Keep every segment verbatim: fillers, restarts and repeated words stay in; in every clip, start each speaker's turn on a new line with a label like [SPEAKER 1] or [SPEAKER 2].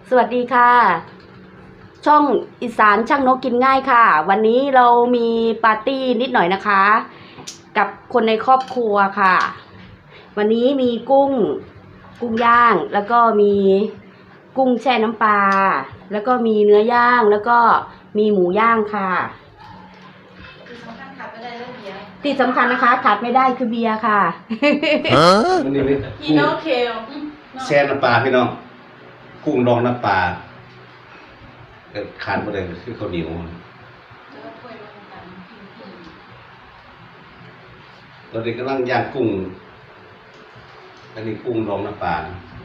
[SPEAKER 1] สวัสดีค่ะช่องอีสานช่างนกกินง่ายค่ะวันนี้เรามีปาร์ตี้นิดหน่อยนะคะกับคนในครอบครัวค่ะวันนี้มีกุ้งกุ้งย่างแล้วก็มีกุ้งแช่น้ำปลาแล้วก็มีเนื้อย่างแล้วก็มีหมูย่างค่ะที่สำคัญนะคะขาดไม่ได้คือเบียร์ค่ะ
[SPEAKER 2] มันนี่พี่น้องเคลแช่น้ำปลาพี่น้องกุ้งดองน้ำปลาขาดไปเลยคือข้าวเหนียวตอนนี้กำลังย่างกุ้งอันนี้กุ้งดองน้ำปลา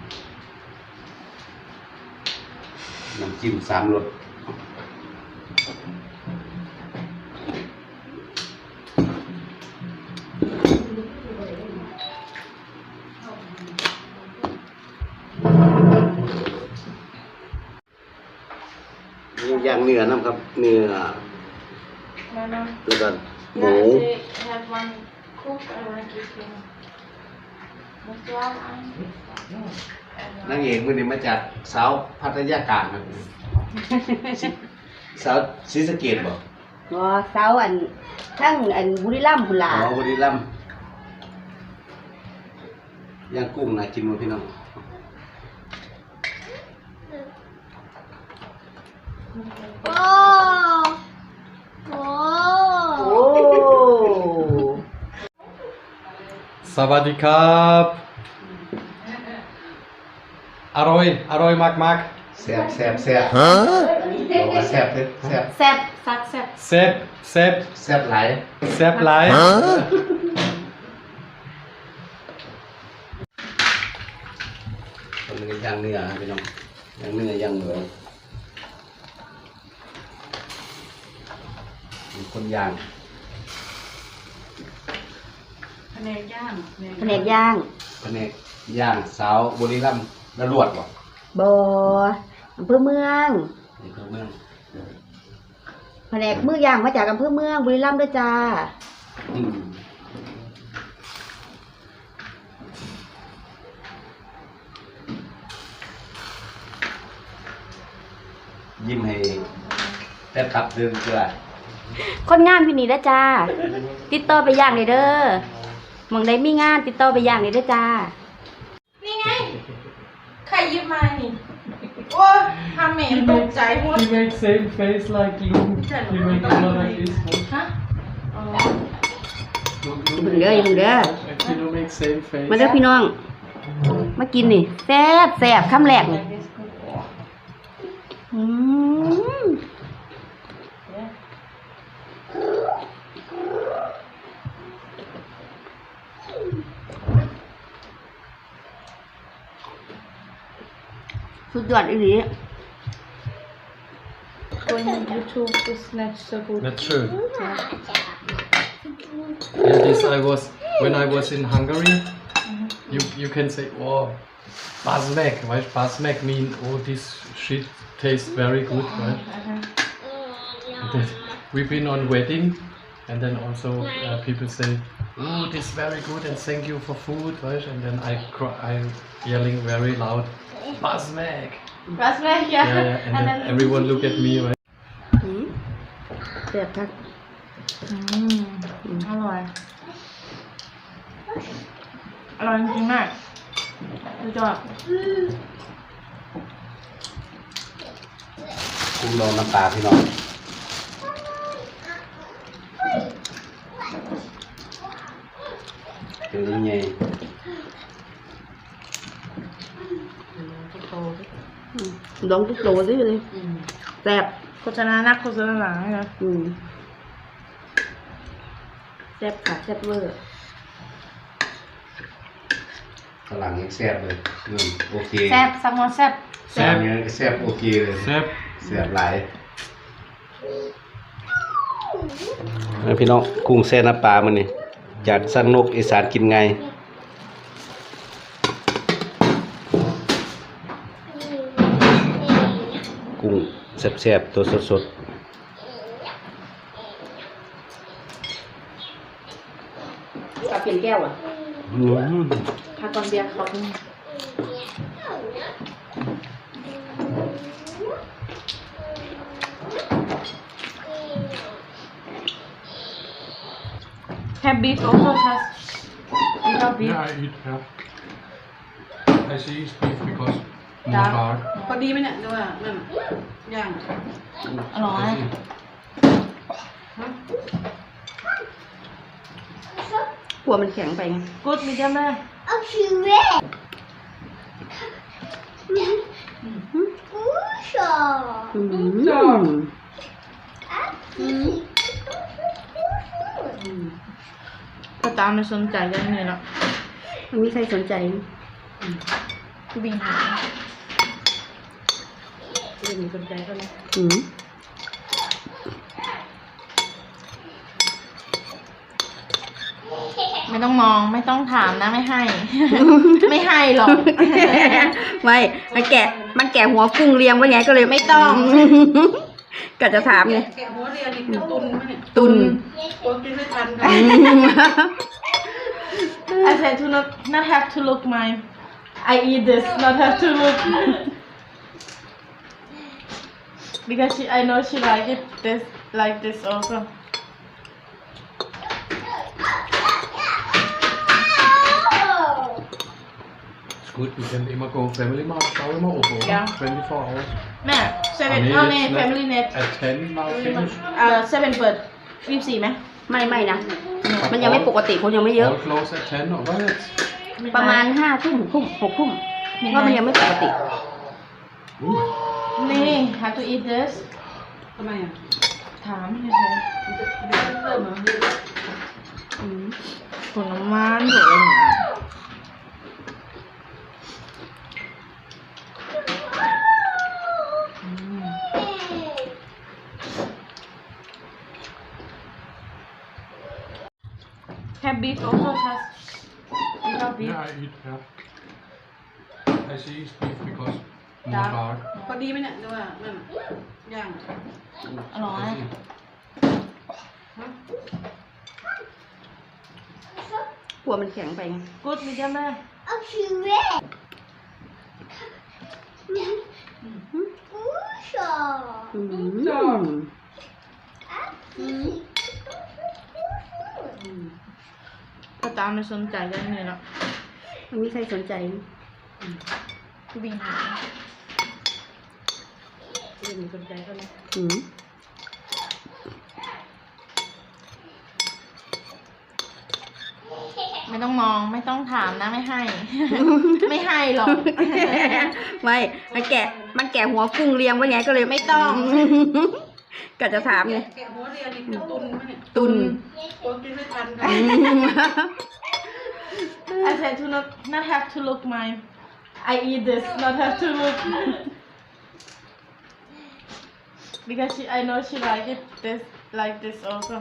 [SPEAKER 2] น้ำจิ้มสามรสย่างเนื้อน้ำครับเนื้อแล้วก็หมูนางเอกวันนี้มาจากสาวพัทยากลางครับสาวศรีสะเกษบ่
[SPEAKER 1] อ๋อสาวอันทั้งอันบุรีรัมย์พุ่นล่ะ
[SPEAKER 2] อ๋อบุรีรัมย์ย่างกุ้งน่ากินบ่พี่น้อง
[SPEAKER 3] โอ้โห
[SPEAKER 1] โอ้
[SPEAKER 4] สวัสดีครับอร่อยอร่อยมากมาก
[SPEAKER 2] แซ่บแซ่บแซ่บฮะบอกว่าแซ่บเด้อแซ่บ
[SPEAKER 1] แซ่บซักแซ่บ
[SPEAKER 4] แซ่บแซ่บ
[SPEAKER 2] แซ่บหลาย
[SPEAKER 4] แซ่บหลาย
[SPEAKER 2] คนนึงย่างเนื้อพี่น้องย่างเนื้อย่างหมูมีคนย่าง
[SPEAKER 1] แผนกย่างแผนกย่าง
[SPEAKER 2] แผนกย่างสาวบุรีรัมย์ระลวดบ่
[SPEAKER 1] บ่อำเภอเมือง
[SPEAKER 2] อำเภอเมือง
[SPEAKER 1] แผนกมือย่างมาจากอำเภอเมืองบุรีรัมย์ด้วยจ้า
[SPEAKER 2] ยิ้มให้แฟนคลับเดินเกลือ
[SPEAKER 1] คนงานพี่นี่แล้วจ้าติดต่อไปย่างเลยเด้อมองได้มีงานติดต่อไปย่างเลยเด้อจ้า
[SPEAKER 3] นี่ไงใครยืมมานี่โอ้ทำเหม็นตกใจหมด
[SPEAKER 4] He makes same face like you He makes a lot like this
[SPEAKER 3] ฮะอ๋อ
[SPEAKER 1] บึงเด้อบึงเด้อ
[SPEAKER 4] He don't make same face
[SPEAKER 1] มาเด้อพี่น้องมากินนี่แซ่บแซ่บคำแรกนี่อืมสุดยอดอีหลี
[SPEAKER 3] Going on YouTube is not so good
[SPEAKER 4] That's true Yeah this I was when I was in Hungary you you can say oh Basmek right Basmek mean oh this shit tastes very good right and then we've been on wedding and then also uh, people say oh this very good and thank you for food right and then I cry I yelling very loud Basmek
[SPEAKER 3] Basmek yeah,
[SPEAKER 4] yeah, yeah. And, and then, then everyone look at me right
[SPEAKER 1] แซ่บครับ
[SPEAKER 3] อืมอร่อยอร่อยจริงๆมากสุดยอด
[SPEAKER 2] กุ้งดองน้ำปลาพี่น้องเป็นยังไง
[SPEAKER 1] ดองทุกโตสิเลยแซ่บ
[SPEAKER 3] โฆษณานักโฆษณาหลังนะ
[SPEAKER 1] อืมแซ่บค่ะแซ่บเวอร์
[SPEAKER 2] ฝรั่งยังแซ่บเลยอืมโอเค
[SPEAKER 3] แซ่บซัมมอนแซ่บ
[SPEAKER 2] แซ่บยังแซ่บโอเคเลย
[SPEAKER 4] แซ่บ
[SPEAKER 2] แซ่บหลายพี่น้องกุ้งแซ่น้ำปลามันนี่จากสังนกอีสานกินไงกุ้งแซ่บๆตัวสด
[SPEAKER 1] ๆกับเปลี่ยนแก้วอ่ะถ้าก่อนเบียร์เขา
[SPEAKER 3] Have beef also has without beef.
[SPEAKER 4] Yeah, I eat, yeah. I see it's beef because more
[SPEAKER 3] Dark.
[SPEAKER 4] dark.
[SPEAKER 3] พอดีไหมเนี่ยดูว่านั่นย่างอร่อย
[SPEAKER 4] I see.
[SPEAKER 1] กลัวมันแข็งไปไง
[SPEAKER 3] Good medium rare.
[SPEAKER 1] อืม
[SPEAKER 3] ก็ตามไม่สนใจกันเลยเนาะ
[SPEAKER 1] มันมีใครสนใจ
[SPEAKER 3] บิงหาไม่มีสนใจก็เลย
[SPEAKER 1] อืม
[SPEAKER 3] ไม่ต้องมองไม่ต้องถามนะไม่ให้ ไม่ให้หรอก
[SPEAKER 1] ไม่มันแกะมันแกะหัวกุ้งเรียงไว้ไงก็เลย
[SPEAKER 3] ไม่ต้อง
[SPEAKER 1] ก็จะถามไง
[SPEAKER 3] แกะหัวเรียนอีกคือตุนไหมเนี่ย
[SPEAKER 1] ตุน
[SPEAKER 3] กลัวกินไม่ทัน
[SPEAKER 1] อืม
[SPEAKER 3] I said to not not have to look my I eat this not have to look because she I know she like it this like this also
[SPEAKER 4] It's good, we can immer go Family Mart, schau immer oben, oder?
[SPEAKER 3] Ja.
[SPEAKER 4] twenty-four hours.
[SPEAKER 3] แม่เซเว่น
[SPEAKER 4] Nee,
[SPEAKER 3] เอาใน
[SPEAKER 4] jetzt
[SPEAKER 3] family net
[SPEAKER 4] nicht. At ten now finish.
[SPEAKER 3] เอ่อเซเว่นเปิดยี่สิบสี่ไหม
[SPEAKER 1] ไม่ไม่นะ มันยังไม่ปกติคนยังไม่เยอะ
[SPEAKER 4] All close at ten, oder jetzt?
[SPEAKER 1] ประมาณห้าทุ่มหกทุ่มหกทุ่มเพราะมันยังไม่ปกติ
[SPEAKER 3] นี่ have to eat this ทำไมอ่ะถามเฉยๆเริ่มเหรออืมผลไม้ผลไม้ Have beef also has without beef.
[SPEAKER 4] Yeah, I eat, yeah. I see it's beef because more dark.
[SPEAKER 3] พอดีไหมเนี่ยดูว่านั่นย่างอร่อย
[SPEAKER 4] I see.
[SPEAKER 1] กลัวมันแข็งไปไง
[SPEAKER 3] Good medium rare.
[SPEAKER 1] อืม
[SPEAKER 3] ก็ตามไม่สนใจกันเลยเนาะ
[SPEAKER 1] มันมีใครสนใจ
[SPEAKER 3] บิงหาไม่มีสนใจก็เลย
[SPEAKER 1] อืม
[SPEAKER 3] ไม่ต้องมองไม่ต้องถามนะไม่ให้ ไม่ให้หรอก
[SPEAKER 1] ไม่มันแกะมันแกะหัวกุ้งเรียงไว้ไงก็เลย
[SPEAKER 3] ไม่ต้อง
[SPEAKER 1] ก็จะถามไง
[SPEAKER 3] แกะหัวเรียนอีกคือตุนไหมเนี่ย
[SPEAKER 1] ตุน
[SPEAKER 3] กลัวกินไม่ทัน
[SPEAKER 1] อืม
[SPEAKER 3] I said to not not have to look my I eat this not have to look because she I know she like it this like this also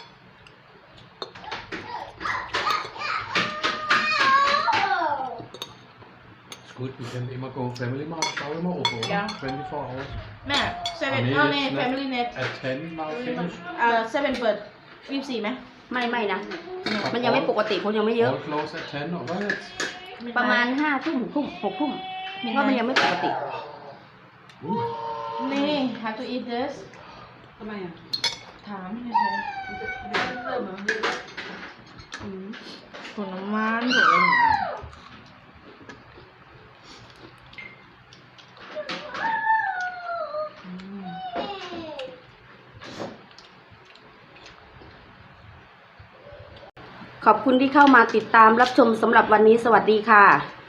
[SPEAKER 4] It's good, we can immer go Family Mart, schau immer oben, oder?
[SPEAKER 3] Ja.
[SPEAKER 4] twenty-four hours.
[SPEAKER 3] แม่เซเว่น
[SPEAKER 4] Nee,
[SPEAKER 3] เอาใน
[SPEAKER 4] jetzt nicht.
[SPEAKER 3] family net
[SPEAKER 4] At ten now finish.
[SPEAKER 3] เอ่อเซเว่นเปิดยี่สิบสี่ไหม
[SPEAKER 1] ไม่ไม่นะ มันยังไม่ปกติคนยังไม่เยอะ
[SPEAKER 4] All close at ten, oder jetzt?
[SPEAKER 1] ประมาณห้าทุ่มหกทุ่มหกทุ่มเพราะมันยังไม่ปกติ
[SPEAKER 3] นี่ have to eat this ทำไมอ่ะถามเฉยๆเริ่มเหรออืมผลไม้ผลไม้
[SPEAKER 1] ขอบคุณที่เข้ามาติดตามรับชมสำหรับวันนี้สวัสดีค่ะ